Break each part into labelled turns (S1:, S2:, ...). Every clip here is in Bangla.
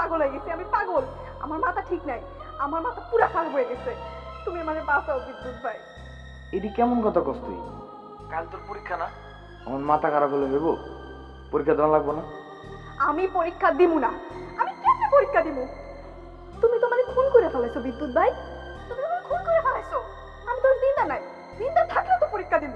S1: পাগল হয়ে গেছি, আমি পাগল। আমার মাথা ঠিক নাই, আমার মাথা পুরা খারাপ হয়ে গেছে। তুমি আমারে বাঁচাও বিদ্যুৎ ভাই।
S2: এটি কেমন কথা কস তুই? কাল তোর পরীক্ষা না? আমার মাথা খারাপ হলে ভেবো পরীক্ষা দেওয়া লাগবো না?
S1: আমি পরীক্ষা দিমু না। আমি কেমনে পরীক্ষা দিমু? তুমি তো মানে খুন করে ফেলাইছো বিদ্যুৎ ভাই, তুমি আমার খুন করে ফেলাইছো। আমি তোর জিন্দা নাই, জিন্দা থাকলে তো পরীক্ষা দিমু।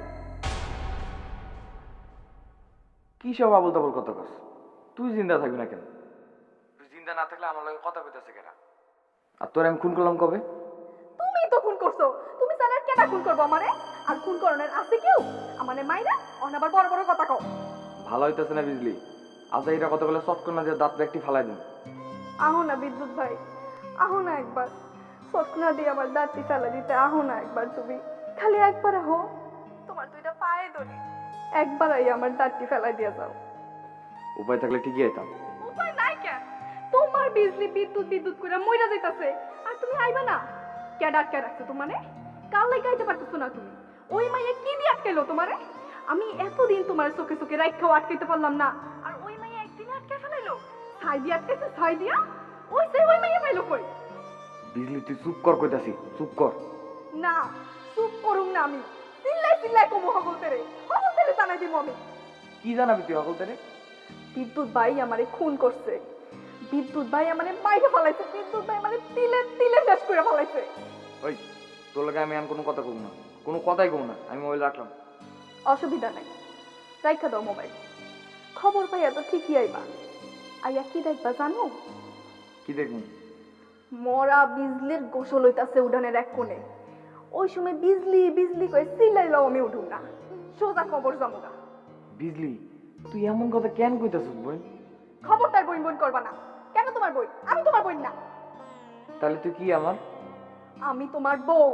S2: কি সব আবল তাবল কথা কস? তুই জিন্দা থাকবি না কেন? তুই জিন্দা না থাকলে আমার লগে কথা কইতেছে কেনা? আর তোর আমি খুন করলাম কবে?
S1: তুমি তো খুন করছো, তুমি জানার কেটা খুন করবো আমারে? আর খুন করণের আছে কেউ? আমারে মাইরা অন আবার বড় বড় কথা কও।
S2: ভালো হইতেছে না বুঝলি? আজ এইটা কথা বলে চট করে না যে দাঁত একটি ফালাই দিন।
S1: আহো না বিদ্যুৎ ভাই, আহো না একবার। সৎনা দিয়ে আমার দাঁতটি ফেলা দিতে আহো না একবার, তুমি খালি একবার আহো। তোমার দুইটা পায়ে ধরি, একবার আই আমার দাঁতটি ফেলাই দিয়ে যাও।
S2: উপায় থাকলে ঠিকই আইতাম।
S1: উপায় নাই কেন? তোমার বিজলি বিদ্যুৎ বিদ্যুৎ করে মইরা যাইতাছে, আর তুমি আইবা না? কেডা আটকে রাখছো তোমারে? কাল লাই গাইতে পারতেছো না তুমি? ওই মাইয়া কি দিয়ে আটকাইলো তোমারে? আমি এতদিন তোমার চোখে চোখে রাইখাও আটকাইতে পারলাম না, আর ওই মাইয়া একদিনে আটকে ফেলাইলো। ছাই দিয়ে আটকাইছে, ছাই দিয়া। ওই সেই ওই মাইয়া পাইলো কই?
S2: বিজলি তুই চুপ কর কইতাছি, চুপ কর।
S1: না, চুপ করুম না আমি। চিল্লাই চিল্লাই কমু হগল তেরে জানাই দিব আমি।
S2: কি জানাবি তুই সকল তারে?
S1: বিদ্যুৎ ভাই আমারে খুন করছে, বিদ্যুৎ ভাই আমারে মাইরে ফেলাইছে, বিদ্যুৎ ভাই আমারে তিলে তিলে শেষ করে ফেলাইছে।
S2: ওই তোর লাগে আমি আর কোনো কথা কব না, কোনো কথাই কব না, আমি মোবাইল রাখলাম।
S1: অসুবিধা নাই, রাইখা দাও মোবাইল। খবর পাইয়া তো ঠিকই আইবা। আইয়া কি দেখবা জানো?
S2: কি দেখবি?
S1: মরা বিজলির গোসল হইতাছে উঠানের এক কোণে। ওই সময় বিজলি বিজলি কই চিল্লাইলাও আমি উঠুম না, সোজা খবর জামুগা।
S2: বিজলি তুই এমন কথা কেন কইতাছিস বোন?
S1: খবরদার বইন বইন করবা না। কেন তোমার বই? আমি তোমার বই না।
S2: তাহলে তুই কি আমার?
S1: আমি তোমার বউ।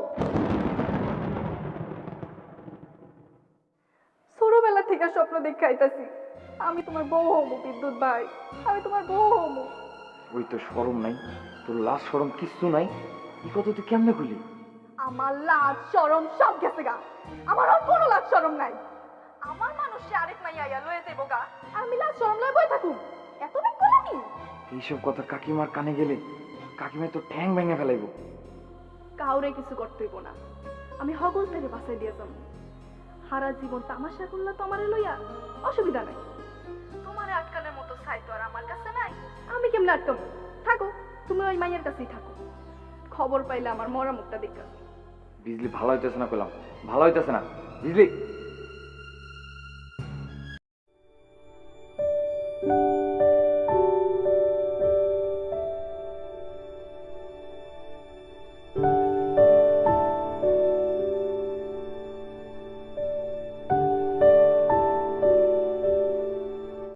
S1: ছোটবেলা থেকে স্বপ্ন দেখে আইতাছি আমি তোমার বউ হমু বিদ্যুৎ ভাই, আমি তোমার বউ হমু।
S2: ওই তো শরম নাই, তোর লাশ শরম কিচ্ছু নাই, এই কথা তুই কেমনে কইলি?
S1: আমার লাজ শরম সব গেছে গা, আমার আর কোনো লাজ শরম নাই। আমার মানুষে আরেক মাইয়া আইয়া লয়ে যাইব গা, আর আমি লাজ শরম লয়ে বই থাকুম? এত বেগ বলামি?
S2: এইসব কথা কাকিমার কানে গেলে কাকিমা তো ঠ্যাং ভেঙে ফেলাইব।
S1: কাউরে কিছু করতে হইব না, আমি হগল থেকে বাঁচাই দিয়ে যাবো। সারা জীবন তামাশা করলা তো আমারে লইয়া, অসুবিধা নাই। তোমারে আটকানোর মতো ছাই তো আর আমার কাছে নাই, আমি কেমনে আটকাবো? থাকো, তুমি ওই মাইয়ের কাছেই থাকো। খবর পাইলে আমার মরা মুখটা দেখা।
S2: বিজলি ভালো হইতেছে না কইলাম, ভালো হইতেছে না বিজলি।